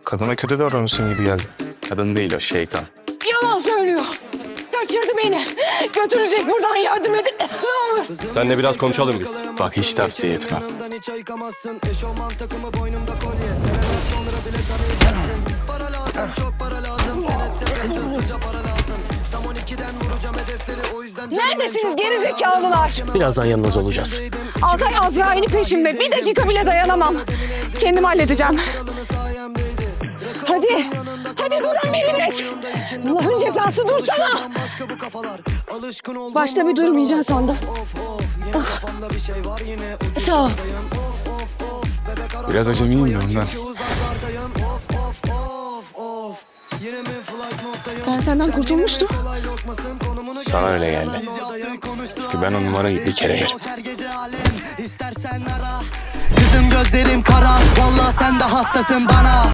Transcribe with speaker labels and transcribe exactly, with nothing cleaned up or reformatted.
Speaker 1: Kadına kötü davranıyorsun gibi geldi.
Speaker 2: Kadın değil o, şeytan.
Speaker 3: Yalan söylüyor. Kaçırdı beni. Götürecek, buradan yardım edin. Ne olur.
Speaker 4: Seninle biraz konuşalım biz.
Speaker 2: Bak hiç tavsiye etmem.
Speaker 3: Neredesiniz gerizekalılar?
Speaker 4: Birazdan yanınızda olacağız.
Speaker 3: Altay Azrail'i peşimde. Bir dakika bile dayanamam. Kendim halledeceğim. Hadi. Hadi durun bir millet. Allah'ın cezası dursana. Başta bir durmayacaksın sandım. Ah. Sağ ol.
Speaker 2: Biraz acemiyim de ondan.
Speaker 3: Ben senden kurtulmuştum.
Speaker 2: Sana öyle geldi. Çünkü ben o numarayı bir kere yerim.
Speaker 5: Yüzüm gözlerim kara, vallahi sen de hastasın bana.